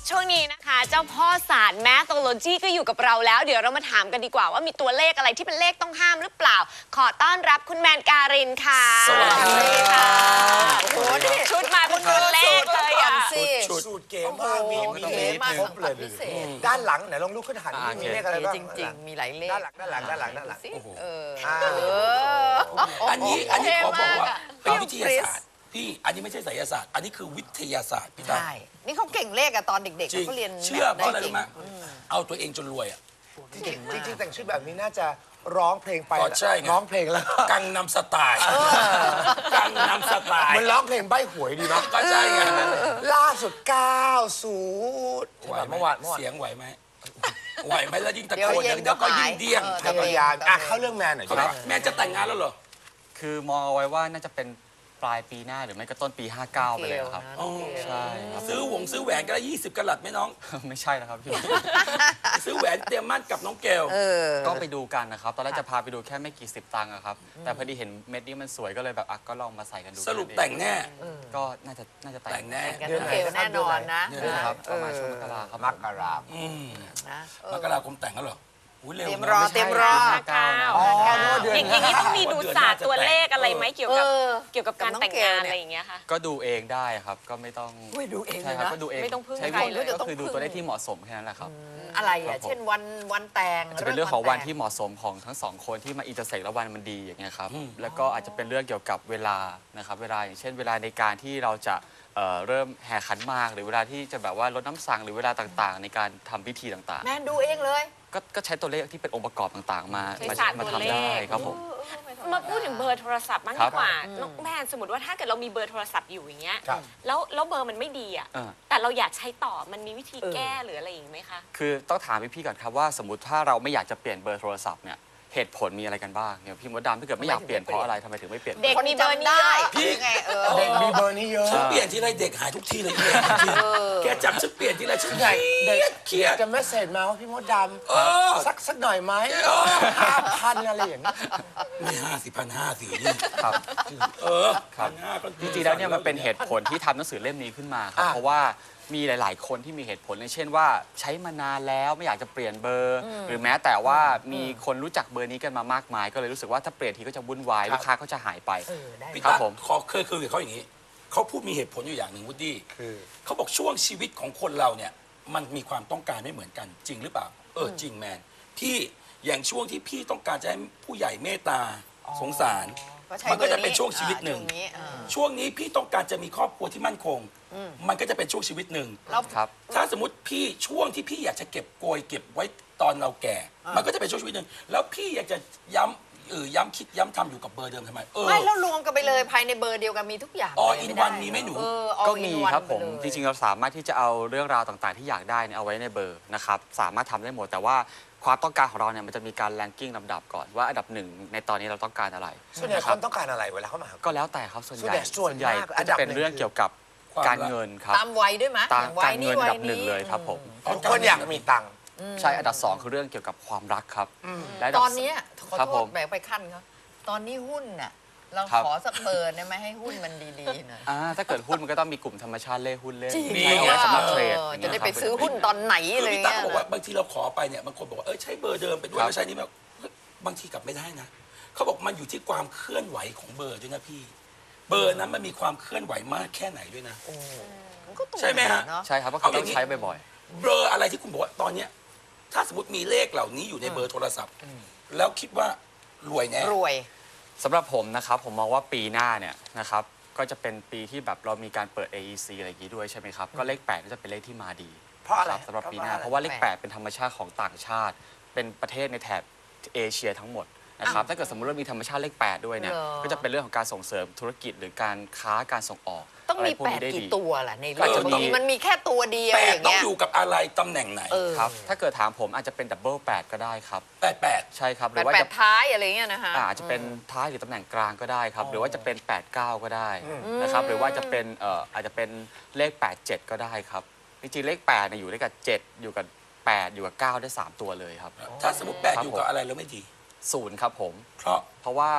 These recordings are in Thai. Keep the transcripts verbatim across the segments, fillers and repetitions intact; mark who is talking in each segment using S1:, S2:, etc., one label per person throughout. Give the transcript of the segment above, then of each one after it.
S1: ช่วงนี้นะคะเจ้าพ่อศาสตร์แมทโลจีก็อยู่กับเราแล้วเดี๋ยวเรามาถามกันดีกว่าว่ามีตัวเลขอะไรที่เป็นเลขต้องห้ามหรือเปล่าขอต้อนรับคุณแมนการินค่ะ
S2: สวัสดีค่ะ
S1: โอ้โหนี่ชุดมาเป็นตัวเลขเลยอ่ะ
S2: สูตรเก๋มากมีมีเลขครบเลยด้านหลังไหนลองลุกขึ้นหันมีเลขอะไรบ้าง
S3: จริงๆมีหลายเลข
S2: ด้านหลังด้านหลังด้านหลังด้านหลัง
S3: เออ
S4: อันนี้อันนี้ขอบอกว่าเป็นวิทยาศาสตร์พี่อันนี้ไม่ใช่ไสยศาสตร์อันนี้คือวิทยาศาสตร์พี่ตั้ม
S3: ใช่นี่เขาเก่งเลขอะตอนเด็กๆ
S4: จริง
S3: เขาเรียน
S4: เชื่อเพราะอะไรรู้ไหม
S3: ด้
S4: เอาตัวเองจนรวยอ่ะ
S2: จริงๆจริงๆแต่งชุดแบบนี้น่าจะร้องเพลงไป
S4: อ๋อใช่ไง
S2: ร้องเพลงแล้ว
S4: กังนำสไตล์กังนำสไตล์
S2: มันร้องเพลงใบ้หวยดีนะ
S4: ก็ใช่ไง
S2: ล่าสุดเก้าศูนย์
S4: ไหวไหม
S2: เมื่อวานเมื่อวาน
S4: เสียงไหวไหมไหวไหมแล้วยิ่งตะ
S3: เดี๋ยว
S4: โกน
S3: เย็
S4: อน ย่างเดียวก็ยิ่งเดี้ยง
S3: เออ
S2: พยายามอ่ะเข้าเรื่องแมนหน่อย
S4: ครับ
S2: ครับ
S4: แม่จะแต่งงานแล้วเหรอ
S5: คือมองเอาไว้ว่าน่าจะเป็นปลายปีหน้าหรือไม่ก็ต้นปี ห้าเก้า ไปเลยครับ
S4: อ๋อ
S5: ใช่ครับ
S4: ซื้อหวงซื้อแหวนกันละยี่สิบกะลัดไหมน้อง
S5: ไม่ใช่แล้วครับพี่
S4: ซื้อแหวนเตรียมมั่นกับน้องเกล
S3: เออ
S5: ก็ไปดูกันนะครับ ตอนแรกจะพาไปดูแค่ไม่กี่สิบตังค์อะครับ แต่พอดีเห็นเม็ดนี้มันสวยก็เลยแบบอ่ะก็ลองมาใส่กันดู
S4: สรุปแต่งแน่
S5: ก็น่าจะน่าจะแต่
S4: แต่งแน่
S3: กันน้องเกลแน่นอนนะ
S5: นี่นะครับประมาณช่วงมกราครับ
S2: มกรา
S4: อืม
S3: นะเออ
S4: มกราคมแต่งแล้วเหรออุ้ยเร็ว
S3: เตรียม
S4: นะ
S3: รอเตรียมรอ
S5: ห้าเก้านะ
S2: อ๋อนึกว่าเดือน
S1: อย่างอย่างนี้ต้องมีดูศาสตร์ตัวเลขอะไรไหมเกี่ยวกับ
S3: เออ
S1: เกี่ยวกับการ
S3: กับน้อง
S1: แต่ง
S3: เกล
S1: งาน
S3: เนี่ย
S1: อะไรอย่างเงี้ยค่ะ
S5: ก็ดูเองได้ครับ ก็ไม่ต้อง
S3: อุ้ยดูเอง
S5: ใช่
S3: เลย
S5: ครับ
S3: นะ
S5: ก็ดูเอง
S1: ไม่ต้องพึ่ง
S5: ใช้
S1: ใคร
S5: วิ
S1: เลย
S5: ก็คือดูตัวเลขที่เหมาะสมแค่นั้นแหละครับ
S3: อะไร
S5: ครั
S3: อ่ะ
S5: บผม
S3: เช่นวันวันแต่ง
S5: จะเป็นเรื่องของวันที่
S3: ลิก
S5: เหมาะสมของทั้งสองคนที่มาอินเตอร์เซ็กแล้ววันมันดีอย่างเงี้ยครับ แล้วก็อาจจะเป็นเรื่องเกี่ยวกับเวลานะครับเวลาอย่างเช่น เวลาในการที่เราจะเอ่อเริ่มแห่ขันหมากหรือเวลาที่จะแบบว่าลดน้ำสังหรือเวลาต่างๆ ในการทำพิธีต่าง
S3: แมนดูเองเลย
S5: ๆ ก็ก็ใช้ตัวเลขที่เป็นองค์ประกอบต่างๆ มา
S1: ใช้
S5: มา
S1: ศาสตร์
S5: มา
S1: ตัวเลข
S5: ทำได้ครับผม
S1: มาพูดถึงเบอร์โทรศัพท์บ้าง
S5: ครั
S1: ดี
S5: บ
S1: กว่าน้องแมนสมมติว่าถ้าเกิดเรามีเบอร์โทรศัพท์อยู่อย่างเงี้ย
S2: ครับ
S1: แล้วแล้วเบอร์มันไม่ดีอ่ะ
S5: เออ
S1: แต่เราอยากใช้ต่อมันมีวิธี
S3: เออ
S1: แก้หรืออะไรอย่างไหมคะ
S5: คือต้องถามพี่ๆก่อนครับว่าสมมติถ้าเราไม่อยากจะเปลี่ยนเบอร์โทรศัพท์เนี่ยเหตุผลมีอะไรกันบ้างอย่างพี่มดดำถ้าเกิดไม่อยากเปลี่ยนเพราะอะไรทำไมถึงไม่เปลี่ยน
S1: เด็ก
S3: คน
S1: มีเบอร์นี้
S3: จำได้
S1: เยอะ
S3: พี่ไงเออ
S2: เด็กมีเบอร์นี้เยอะ
S4: ฉันเปลี่ยนทีไรเด็กหายทุกทีเลยเนี่ยจริงแกจับฉันเปลี่ยนทีไรฉันเค
S2: ใหญ่
S4: รี
S2: เด็
S4: ยดเครียด
S2: จะเมสเซจมาว่าพี่มดด
S4: เออ
S2: ำสักสักหน่อยไหม
S4: เออ
S2: ห้าพันอะไรอย่างเงี้ย
S4: ไม่ห้าสิพันห้าสี่นี่
S5: ครับ
S4: เออ
S5: ครับ
S4: พันห้าก็
S5: จริงๆแล้วเนี่ยมันเป็นเหตุผลที่ทำหนังสือเล่มนี้ขึ้นมาครับ
S2: อ่ะ
S5: เพราะว่ามีหลาย ๆ คนที่มีเหตุผลอย่างเช่นว่าใช้มานานแล้วไม่อยากจะเปลี่ยนเบอร์ หรือแม้แต่ว่ามีคนรู้จักเบอร์นี้กันมามากมาย ก็เลยรู้สึกว่าถ้าเปลี่ยนทีก็จะวุ่นวายลูกค้าก็จะหายไป
S3: เออได้
S4: พี่
S5: ครับ
S4: ตั๊ก
S5: ผม
S4: ขอเคยคุยกับเขาอย่างนี้ เขาพูดมีเหตุผลอยู่อย่างหนึ่งวูดดี้
S2: คือ
S4: เขาบอกช่วงชีวิตของคนเราเนี่ย มันมีความต้องการไม่เหมือนกันจริงหรือเปล่า เออจริงแมนพี่อย่างช่วงที่พี่ต้องการจะให้ผู้ใหญ่เมตตาสงสาร
S3: ก็ใช้
S4: มันก็จะ
S3: บอร์
S4: เป็นช่วงชีวิตหนึ่ง
S3: อ่าช่วนี้อ่า
S4: ช่วงนี้พี่ต้องการจะมีครอบครัวที่มั่นคง มันก็จะเป็นช่วงชีวิตหนึ่ง
S3: แล้ว
S5: ครับ
S4: ถ้าสมมติพี่ช่วงที่พี่อยากจะเก็บโกยเก็บไว้ตอนเราแก่ มันก็จะเป็นช่วงชีวิตหนึ่งแล้วพี่อยากจะย้ำเออย้ำคิดย้ำทำอยู่กับเบอร์เดิมทำไมเออ
S3: ไม่แล้วรวมกันไปเลยภายในเบอร์เดียวกันมีทุกอย่าง
S4: All
S3: เลย
S4: in
S3: ไได้
S4: one มีไหมหนู
S3: เออ all
S5: ก็
S3: in
S5: มี
S3: one
S5: ครับผม
S3: ไปเลย
S5: จริงๆเราสามารถที่จะเอาเรื่องราวต่างๆ ที่อยากได้เนี่ยเอาไว้ในเบอร์นะครับสามารถทำได้หมดแต่ว่าความต้องการของเราเนี่ยมันจะมีการแรงกิ้งลำดับก่อนว่าอันดับหนึ่งในตอนนี้เราต้องการอะไร
S2: ส่วนใหญ่
S5: นะ
S2: ค
S5: ครั
S2: นต้องการอะไรเวลาเขามาหา
S5: ก็แล้วแต่ครับส่วนใหญ่
S2: ส่วนใหญ่ส่วนมาก
S5: ก็
S2: อันดั
S5: จะ
S2: บ
S5: เป็น
S2: หนึ่ง
S5: เรื่องเกี่ยวกับ
S4: ความ
S5: การ
S4: รัก
S5: เงินครับ
S3: ตามวัยด้วยไหม
S5: ตาม
S3: วั
S5: การ
S3: ย
S5: เงิ
S3: นี้
S5: นอั
S3: วัน ย
S5: ดับหนึ่ง
S3: นี้
S5: เลยครับผม
S2: ทุกคนอยากมีตังค์
S5: ใช่อันดับสองคือเรื่องเกี่ยวกับความรักครับและดับ
S3: ตอนเนี้ยขอ
S5: ครับ
S3: โท
S5: ผ
S3: ษ
S5: ม
S3: แบกไปขั้นเขาตอนนี้หุ้นน่ะเรา
S5: ครับ
S3: ขอสักเบอร์ได้ไหมให้หุ้นมันดีๆหน่อย
S5: อ่าถ้าเกิดหุ้นมันก็ต้องมีกลุ่มธรรมชาติเล่หุ้นเล่
S3: จริง
S4: มี
S5: ใช้เอาไว้สำหรับเทรด
S3: ออ
S5: อย่าง
S3: จะ
S5: เงี้ย
S3: ได้ไป
S5: ครับ
S3: ซื้อหุ้นตอนไหน
S4: คือ
S3: อะไร
S4: พี่ตั๊ก
S3: เงี้ย
S4: บอกว่าบางทีเราขอไปเนี่ยบางคนบอกว่าเออใช้เบอร์เดิมไปด้วย
S5: ครับ
S4: แล้วใช้นี้แบบเฮ้ยบางทีกลับไม่ได้นะเขาบอกมันอยู่ที่ความเคลื่อนไหวของเบอร์ด้วยนะพี่ เบอร์นั้นมันมีความเคลื่อนไหวมากแค่ไหนด้วยนะ
S3: มันก็ตรง
S4: ใช่ไหมฮะ
S3: เนาะ
S5: ใช่ครับเพราะเขาต้องใช้บ่อย
S4: เบอร์อะไรที่คุณบอกว่าตอนเนี้ยถ้าสมมติมีเลขเหล่านี้อยู่ในเบอร์โทรศัพท์ แล้วคิดว่ารวยแน่
S3: รวย
S5: ๆสำหรับผมนะครับผมมองว่าปีหน้าเนี่ยนะครับก็จะเป็นปีที่แบบเรามีการเปิด เอ อี ซี อะไรอย่างนี้ด้วยใช่ไหมครับก็เลขแปดก็จะเป็นเลขที่มาดี
S2: เพราะอะไร
S5: คบสำหรับปีหน้า
S2: เพ
S5: เพ
S2: ราะ
S5: ราะ
S2: ว่า
S5: ว่าเลขแปดเป็นธรรมชาติของต่างชาติ เป็นประเทศในแถบเอเชียทั้งหมดนะครับถ้าเกิดสมมติว่ามีธรรมชาติเลขแปดด้วยเนี่ย
S3: เหรอ
S5: ก็จะเป็นเรื่องของการส่งเสริมธุรกิจหรือการค้าการส่งออก
S3: ต้องมี
S5: ะไรพว
S3: แป
S5: นี้
S3: ด
S5: ได้
S3: กี่
S5: ดี
S3: ตัวล่ะใน
S4: เออ
S3: บางทีมันมีแค่ตัวเดียว
S4: แป
S3: อ
S4: ด
S3: ย่าง
S4: ต้อง
S3: เงี้ย
S4: อยู่กับอะไรตำแหน่งไหน
S3: เออ
S5: ครับถ้าเกิดถามผมอาจจะเป็นดับเบิลแปดก็ได้ครับ
S4: แปดแปด
S5: ใช่ครับห
S3: แป
S5: รื
S3: ด
S5: อว่า
S3: แป
S5: จะ
S3: ดท้ายอะไรเงี้ยนะคะ
S5: อาจจะเป็นท้ายหรือตำแหน่งกลางก็ได้ครับ หรือว่าจะเป็น แปดเก้า ก็ได้นะครับ หรือว่าจะเป็นเอ่ออาจจะเป็นเลข แปดเจ็ด ก็ได้ครับ จริงๆ เลข แปดเนี่ยอยู่ด้วยกับ เจ็ด อยู่กับ แปด อยู่กับ เก้า ได้ สาม ตัวเลยครับ
S4: ถ้าสมมติแปดอยู่กับอะไรแล้วไม่ดี
S5: ศูนย์ครับผม
S4: เพราะ
S5: เพราะว่า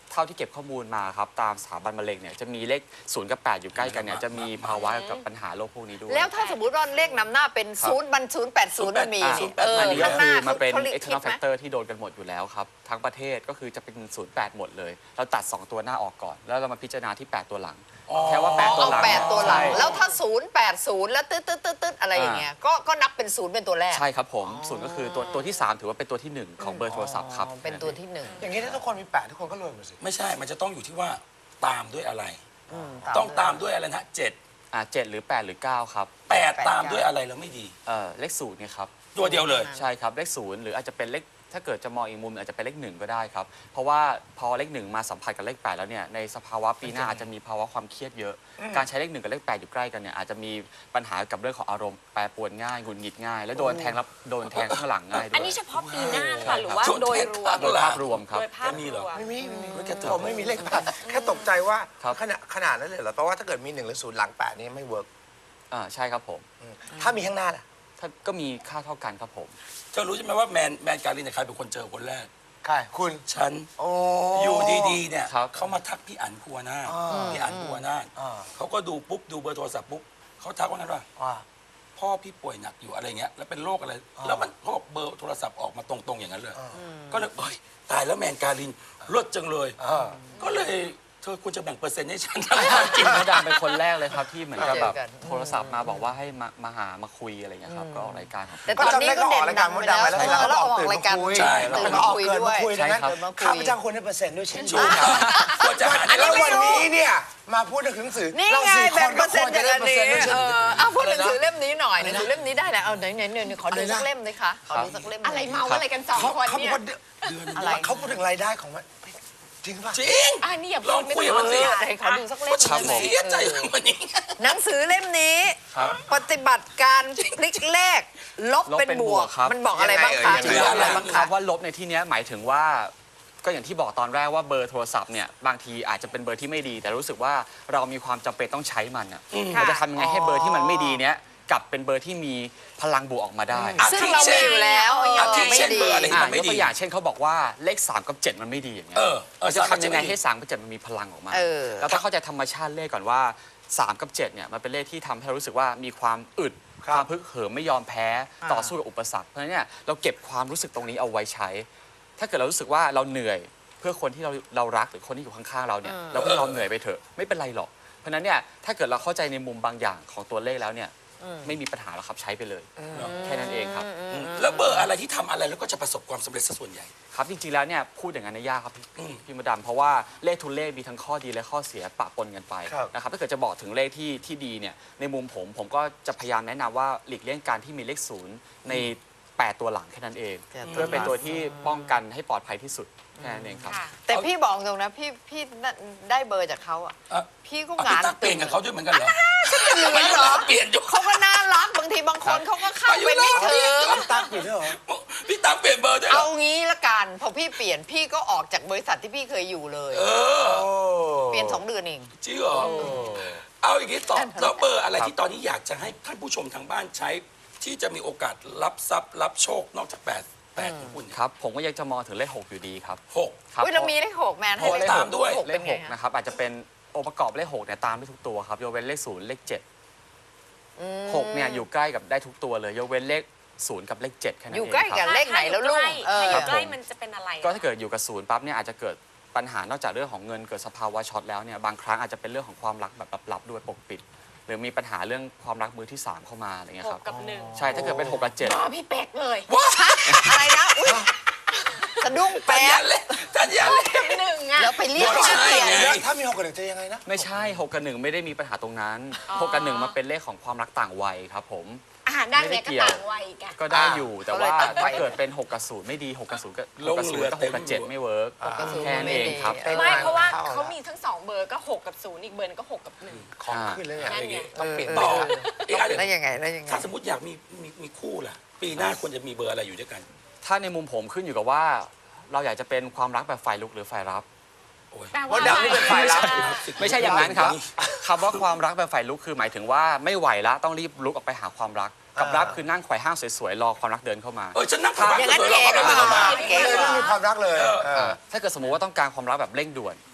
S5: เท่าที่เก็บข้อมูลมาครับตามสถาบันมะเร็งเนี่ยจะมีเลขศูนย์กับแปดอยู่ใกล้กันเนี่ยจะมีภาวะกับปัญหาโรคพวกนี้ด้วย
S3: แล้วถ้าสมมติว่าเลขนำหน้าเป็น
S5: ครับ
S3: ศูนย์มันศูนย์แปดศูนย์มันมี
S4: อ่า
S3: เออ
S5: อันนี้ก็
S3: ข้างห
S5: คื
S3: น้า
S5: อมันเป็น
S3: เขาเรียก
S5: external
S3: คิดไหม
S5: factor ที่โดนกันหมดอยู่แล้วครับ ทั้งประเทศก็คือจะเป็นศูนย์แปดหมดเลย เราตัด สอง ตัวหน้าออกก่อน แล้วเรามาพิจารณาที่ แปด ตัวหลัง แค่ว่า แปด ตัว
S3: เอา
S5: หลัง
S3: แปดตัวหลัง
S5: ใช่
S3: แล้วถ้าศูนย์แปดศูนย์แล้วตึ๊ดตึ๊ดตึ๊ดตึ๊ดอะไรอย่างเงี้ยก็ก็นับเป็นศูนย์เป็นตัวแรก
S5: ใช่ครับผมศูนย์ก็คือตัวตัวที่ สาม ถือว่าเป็นตัวที่ หนึ่ง ของเบอร์โทรศัพท์ครับ
S3: อ๋อเป็นตัวที่หนึ่ง
S2: อย่างนี้ถ้าทุกคนมีแปดทุกคนก็รวยหมดสิ
S4: ไม่ใช่มันจะต้องอยู่ที่ว่าตามด้วยอะไร
S3: ม
S4: ต้องตามด้วยอะไรนะเจ็ด
S5: อ่าเจ็ดหรือแปดหรือเก้าครับ
S4: แปดตามด้วยอะไรแล้วไม่ดี
S5: เอ่อเลขศูนย์เนี่ยครับ
S4: ตัวเดียวเลย
S5: ใช่ครับเลขศูนย์หรืออาจจะเป็นเลขถ้าเกิดจะมองอีกมุมอาจจะเป็นเลขหนึ่งก็ได้ครับ เพราะว่าพอเลขหนึ่งมาสัมผัสกับเลขแปดแล้วเนี่ยในสภาวะปีหน้าอาจจะมีภาวะความเครียดเยอะ การใช้เลขหนึ่งกับเลขแปดอยู่ใกล้กันเนี่ยอาจจะมีปัญหากับเรื่องของอารมณ์แปรปรวนง่ายหงุดหงิดง่าย และโดนแทงรับโดนแทงข้างหลังง่ายด้วย
S1: อันนี้เฉพาะปีหน้าหรือเปล่าหรือว่า
S4: ช่วง
S1: โดยรวม
S4: เทศกาล
S5: โดยภาพรวมครับ
S1: โดยภาพ
S4: ไม่มี
S1: ร
S4: เหรอ
S1: วม
S2: ไม่มีไม่มี
S4: ไม่แค่เถอะ
S2: ผมไม่มีเลขแปดแค่ตกใจว่า
S5: ครับ
S2: ขนาดขนาดนั้นเลยเหรอแปลว่าถ้าเกิดมีหนึ่งหรือศูนย์หลังแปดนี่ไม่เวิร์ก
S5: อ่าใช่ครับผม
S2: ถ้ามีข้างหน้าล่ะ
S5: ถ้าก็มีค่าเท่ากันครับผม
S4: เธอรู้ใช่ไหมว่าแมนแมนการินเนี่ยใครเป็นคนเจอคนแรก
S2: ใครคุณ
S4: ฉัน
S2: โอ้
S4: อยู่ดีๆเนี่ย
S5: ครับ
S4: เขามาทักพี่อั๋นพัวหน้าถ
S2: อ่า
S4: พี่อั๋นพัวหน้าถ
S2: อ่า
S4: เขาก็ดูปุ๊บดูเบอร์โทรศัพท์ปุ๊บเขาทักว่างั้นว่า
S2: ว่า
S4: พ่อพี่ป่วยหนักอยู่อะไรเงี้ยแล้วเป็นโรคอะไร
S2: อ่า
S4: แล้วมันเขาบอกเบอร์โทรศัพท์ออกมาตรงๆอย่างนั้นเลย ก็เลยเอ้ยตายแล้วแมนการินลดจังเลย
S2: อ่า
S4: ก็เลยเธอควรจะแบ่งเปอร์เซ็นต์ให้ฉัน
S5: จริงมดดำเป็นคนแรกเลยครับที่เหมือนกับแบบ
S3: เจอกัน
S5: โทรศัพท์มาบอกว่าให้มามาหามาคุยอะไรอย่างเงี้ยครับก็ออกรายการของ
S3: แต่ตอนนี้ก็เด่นดังไปแล้ว
S2: ก็จำได้ก็ออกรายการมดดำไปแล้ว
S3: แล้วออกรายการ
S4: ใช่
S3: ตื่น
S2: มา
S3: มา
S2: ออก
S3: คุย
S2: เกิน
S3: ด้ว
S2: มาย คุยดังนั้น
S5: ใช่ครับ
S2: ข้าพเจ้าควรได้เปอร์เซ็นต์ด้วยเช่น
S4: ถู
S2: กัน
S4: กครับควรจะหา
S2: แล้ว
S4: ได้
S2: วันนี้เนี่ยมาพูดถึงหนังสือ
S3: นี่
S2: เรา
S3: ไง
S2: สี่ค
S3: แบ่
S2: น
S3: งเป
S2: ก็
S3: อร์
S2: ค
S3: เซ็น
S2: วร
S3: ต์
S2: จะ
S3: จาก
S2: ได้
S3: อัน
S2: เปอร์
S3: นี้
S2: เซ็นต์ด้วยเช่น
S3: เอ
S2: กัน
S3: อเอาพูดหนังสือ
S2: อะไรนะ
S3: เล่มนี้หน่อยห
S2: อะไร
S3: นัง
S2: นะ
S3: สือเล่มนี้ได้แล้วเอาไหนไหนไหนไหนขอดู
S2: อะไรนะ
S3: สักเล่มเลยค่ะขอดูสักเล่มหนึ่ง
S1: อะไรเมาอะไรกันสอง
S2: เขา
S1: คน
S2: เขา
S1: เนี่ย
S2: พูดอะไรเขาพูดถึงรายได้ของมันจริงป่ะ
S4: จริง
S1: อ่านี่อย่า
S4: ลองคุยกับมันสิ
S3: เออไหนขอดูสักเล่มห
S4: ฉัน
S3: นึ่ง
S4: เสียใจกับวันนี้
S3: หนังสือเล่มนี้
S5: ครับ
S3: ปฏิบัติการพลิกเลขลบ
S5: ลบ
S3: เป็น
S5: เป็น
S3: บบ ว
S5: ว
S3: ก
S5: กครับ
S3: มันบอกอะไรบ้างคะ
S2: ยังไงเอ่ย
S3: มันบอกอะไรบ้าง
S5: ครั
S3: คะ
S5: บว่าลบในที่เนี้ยหมายถึงว่าก็อย่างที่บอกตอนแรกว่าเบอร์โทรศัพท์เนี่ยบางทีอาจจะเป็นเบอร์ที่ไม่ดี แต่รู้สึกว่าเรามีความจำเป็นต้องใช้มันอ่ะเราจะทำยังไงให้เบอร์ที่มันไม่ดีเนี้ยกลับเป็นเบอร์ที่มีพลังบวกออกมาได้
S4: อ่ะ
S3: ซึ่งเรามีอยู่แล้ว
S4: อาทิ
S3: ไม่
S4: เช่น
S3: ดี
S4: เบอร์อะไร
S5: อ่ะ
S4: มันไม่
S5: ยก
S4: ดี
S5: ตัวอย่างเช่นเขาบอกว่าเลขสามกับเจ็ดมันไม่ดีอย่างเงี้ย
S4: เออเออ
S5: เราจะทำยังไง
S4: สามกับเจ็ดไม่ดี
S5: ให้สามกับเจ็ดมันมีพลังออกมา
S3: เออ
S5: เราต้องเข้าใจธรรมชาติเลขก่อนว่าสามกับเจ็ดเนี่ยมันเป็นเลขที่ทำให้เรารู้สึกว่ามีความอึด
S2: ครับ
S5: ความพึกเหิมไม่ยอมแพ้ต่อสู้กับอุปสรรคเพราะฉะนั้นเนี่ยเราเก็บความรู้สึกตรงนี้เอาไว้ใช้ ถ้าเกิดเรารู้สึกว่าเราเหนื่อยเพื่อคนที่เราเรารักหรือคนที่อยู่ข้างๆเราเนี่ยเราก็ยอมเหนื่อยไปเถอะไม่เป็นไรหรอกเพราะฉะนั้นเนี่ยถ้าเกิดเราเข้าใจในมุมบางอย่างของตัวเลขแล้วเนี่ยไม่มีปัญหาแล้วครับใช้ไปเลยแค่นั้นเองครับ
S4: แล้วเบอร์อะไรที่ทำอะไรแล้วก็จะประสบความสำเร็จซะส่วนใหญ่
S5: ครับจริงๆแล้วเนี่ยพูดอย่างนั้นเนยยากครับพี่
S4: อืม
S5: พี่มดดำเพราะว่าเลขทุกเลขมีทั้งข้อดีและข้อเสียปะปนกันไป
S2: ครับ
S5: นะครับถ้าเกิดจะบอกถึงเลขที่ที่ดีเนี่ยในมุมผมผมก็จะพยายามแนะนำว่าหลีกเลี่ยงการที่มีเลขศูนย์ในแปดตัวหลังแค่นั้นเอง
S3: แปดตัว
S5: เพื่อเป็นตัวที่ป้องกันให้ปลอดภัยที่สุดแค่นั้นเองครับ
S1: ค่ะ
S3: แต่พี่บอกตรงนะพี่พี่ได้เบอร์จากเขาอ่ะ
S4: อ่ะ
S3: พี่ก็
S4: อ่ะ
S3: งาน
S4: พี่ตั๊กเปลี่ยนกับเขาด้วยเหมือนกันเหรอ
S3: เหลือ
S4: ไม่
S3: เหรอ
S4: เปลี่ยนอยู่
S3: เขาก็น่ารักบางทีบางคนเขาก็เข้าไปไม่ถึง
S2: ตั๊กอยู่ด้วยเหรอ
S4: พี่ตั๊กเปลี่ยนเบอร์ด้วยเหร
S3: เอา
S4: อ
S3: งี้ละกันพอพี่เปลี่ยนพี่ก็ออกจากบริษัทที่พี่เคยอยู่เลย
S4: เออ
S2: โอ้
S3: เปลี่ยนสองเดือนเอง
S4: จริงเหรอเอาอย่างนี้ตอบแล้วเบอร์อะไรที่ตอนนี้อยากจะให้ท่านผู้ชมทางบ้านใช้ ที่จะมีโอกาสรับทรัพย์รับโชคนอกจากแปดแปดของคุณเนี่ย
S5: ครับผมก็ยังจะมองถึงเลขหกอยู่ดีครับ
S4: หก
S5: ครับ
S3: เว้ยเรามีเลขหกแมนให้
S4: โอ้ยตามด้วย
S3: หก
S5: เล
S3: เป็
S5: ข
S3: น
S5: ห
S3: ไง
S5: ก
S3: ฮะ
S5: นะครับอาจจะเป็นองค์ประกอบเลขหกเนี่ยตามได้ทุกตัวครับยกเว้นเลขศูนย์เลขเจ็ดหกเนี่ยอยู่ใกล้กับได้ทุกตัวเลยยกเว้นเลขศูนย์กับเลขเจ็ดแค่นั้น
S3: อ
S5: เอง
S3: ยู่ใกล้
S5: ค
S3: กั
S5: รั
S3: น
S5: บ
S3: เลขไหนแล้วลูกเออ
S1: ถ้าอยู่ใกล้
S5: ครับผม
S1: มันจะเป็นอะไร
S5: ก็ถ้าเกิดอยู่กับศูนย์ปั๊บเนี่ยอาจจะเกิดปัญหานอกจากเรื่องของเงินเกิดสภาวะช็อตแล้วเนี่ยบางครั้งอาจจะเป็นเรื่องของความรักแบบลับๆด้วยปกปิด หรือมีปัญหาเรื่องความรักมือที่สามเข้ามาอะไรเงี้ย
S1: ห
S5: ครั
S1: ก
S5: บ
S1: กับหนึ่ง
S5: ใช่ถ้าเกิดเป็นหกกับเจ็ด
S1: อ๋อพี่เป๊กเลย
S3: อะไรนะอุ๊ยสะดุ้ง
S4: ทัน
S3: แป๊
S4: ยั
S3: บ
S4: นเลยทันยันเลย
S1: กับหนึ่งอ่ะ
S3: แล้วไปเรียก
S4: ไม่
S3: ชื่อ
S4: ใช่
S3: เปลี่ยน
S4: ไง
S2: แล้วถ้ามีหกกับหนึ่งจะยังไงนะ
S5: ไม่ใช่หกกับหนึ่งไม่ได้มีปัญหาตรงนั้น
S1: อ๋อ
S5: หกกับหนึ่งมันเป็นเลขของความรักต่างวัยครับผม
S1: อ่าด้าน
S5: ไม่
S1: เนี้ยก็
S5: ได้เกี่ยว
S1: ต่างวัยอีกอะ
S5: ก็ได้อยู่แต่ว่า
S3: เขาเลยตัดไป
S5: ถ้าเกิดเป็นหกกับศูนย์ไม่ดีหกกับศูนย์ก็หกกับศูนย์กับหกกับเจ็ดไม่เวิร์ก
S3: หกกับศูนย์
S5: แค่นั้นเองครับ
S3: ไม่ดี
S1: ไม่เพราะว่า
S2: เข้าแล้ว
S1: เขามีทั้งสองเบอร์ก็หกกับศูนย์อีกเบอร์นึงก็หกกับหนึ่ง
S2: ของขึ้นเลยเนี่ย
S1: นั่นไง
S2: ต้องเปลี่ยน
S4: ต่อ
S2: ต่อ
S4: อีกอันหนึ่ง
S3: แล้วยังไงแล้วยังไง
S4: ถ้าสมมติอยากมีมีมีคู่ล่ะ ปีหน้าควรจะมีเบอร์อะไรอยู่ด้วยกัน
S5: ถ้าในมุมผมขึ้นอยู่กับว่าเราอยากจะเป็นความรักแบบฝ่ายลุกหรือฝ่ายรับ
S4: โอ้ย
S1: แปล
S2: มดดำนี่เป็นฝ่ายรับ
S5: ไม่ใช่อย่างนั้นครับคำว่าความรักแบบฝ่ายลุกคือหมายถึงว่าไม่ไหวแล้วต้องรีบลุกออกไปหาความรัก กับ
S2: อ่ารั
S5: รับคือนั่งไขว่ห้างสวยๆรอความรักเดินเข้ามา
S4: เออฉันนั่งทำบ้าน
S3: อย่างนั้น
S4: สวยๆแล้ว
S3: เก๋
S4: ก็
S3: กว่า
S4: เดินมา
S3: เก๋
S2: เลย
S3: กว่า
S2: ไม่มีความรักเลยเออ
S5: ถ้าเกิดสมมุติว่าต้องการความรักแบบเร่งด่วน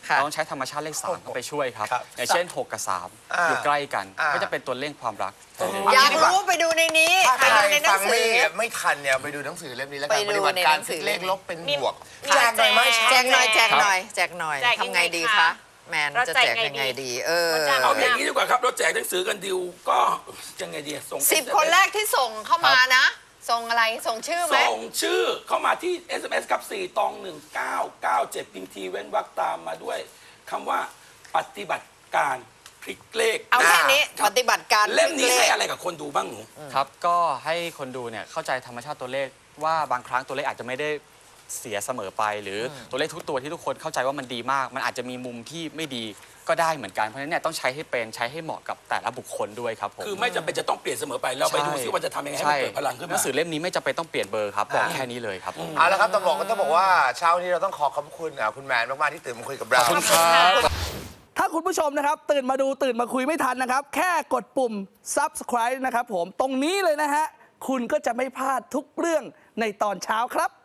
S3: ค่ะ
S5: เราต้องใช้ธรรมชาติเลขสามเข้าไปช่วยครับ
S2: ครับ
S5: อย่างเช่นหกกับสาม
S2: อ่า
S5: อยู่ใกล้กัน
S2: อ่า
S5: ก็จะเป็นตัวเลขความรัก
S3: อยากรู้ไปดูในนี้
S2: ถ้า
S3: ไป
S2: ใคร
S3: ดูในหนั
S2: ฟั
S3: ง
S2: ง
S3: สื
S2: ไม่
S3: อ
S2: ไม่ทันเนี่ยไปดูหนังสือเล่มนี้แล้วกัน
S3: ไปดู
S2: ปฏิบัติการ
S3: ในหนังสื
S2: พลิ
S3: อก
S2: เลขลบเป็นบวก
S1: มี
S2: แจกหน่อยไหม
S1: แจ
S3: แจ
S1: ก
S3: กหน่อยแจก
S5: ครับ
S3: หน่อยแจกหน่อย
S1: แจกยังไง
S3: ทำไงดี
S1: คะ
S3: คะแมน
S1: เรา
S3: จะ
S1: แจก
S3: แจก
S1: ไง
S3: ยังไง
S1: ดี
S3: ดี เออ
S1: เราจะ
S4: เอาอย่างนี้ดีกว่าครับเราแจกหนังสือกันดิวก็ยังไงดีส่ง
S3: สิบคนแรกที่ส่งเข้ามานะ ส่งอะไรส่งชื่อไหม
S4: ส่งชื่อเข้ามาที่ เอส เอ็ม เอส ครับสี่ตองหนึ่งเก้าเก้าเจ็ดพิมพ์ทีเว้นวรรคตามมาด้วยคำว่าปฏิบัติการพลิกเลข
S3: เอาแค่นี้
S4: ครับ
S3: ปฏิบัติการ
S4: เล่มนี้
S3: พลิก
S4: ให้
S3: ข
S4: อะไรกับคนดูบ้างหนู
S5: ครับก็ให้คนดูเนี่ยเข้าใจธรรมชาติตัวเลขว่าบางครั้งตัวเลขอาจจะไม่ได้เสียเสมอไป หรือตัวเลขทุกตัวที่ทุกคนเข้าใจว่ามันดีมาก มันอาจจะมีมุมที่ไม่ดีก็ได้เหมือนกันเพราะฉะนั้นเนี่ยต้องใช้ให้เป็นใช้ให้เหมาะกับแต่ละบุคคลด้วยครับผม
S4: คือไม่จำเป็นจะต้องเปลี่ยนเสมอไปเราไปดูซิว่าจะทำยังไงให้มันเกิดพลังขึ้น
S5: หนั
S4: มา
S5: งสือเล่มนี้ไม่จำเป็นต้องเปลี่ยนเบอร์ครับบอกแค่นี้เลยครับ
S2: เอาละครับต้องบอกก็ต้องบอกว่าเช้านี้เราต้องขอขอบคุณอ่ะคุณแมนมากๆที่ตื่นมาคุยกับเรา
S5: ขอบคุณครับ
S6: ถ้าคุณผู้ชมนะครับตื่นมาดูตื่นมาคุยไม่ทันนะครับ แค่กดปุ่ม ซับสไครบ์ นะครับผมตรงนี้เลยนะฮะ คุณก็จะไม่พลาดทุกเรื่องในตอนเช้าครับ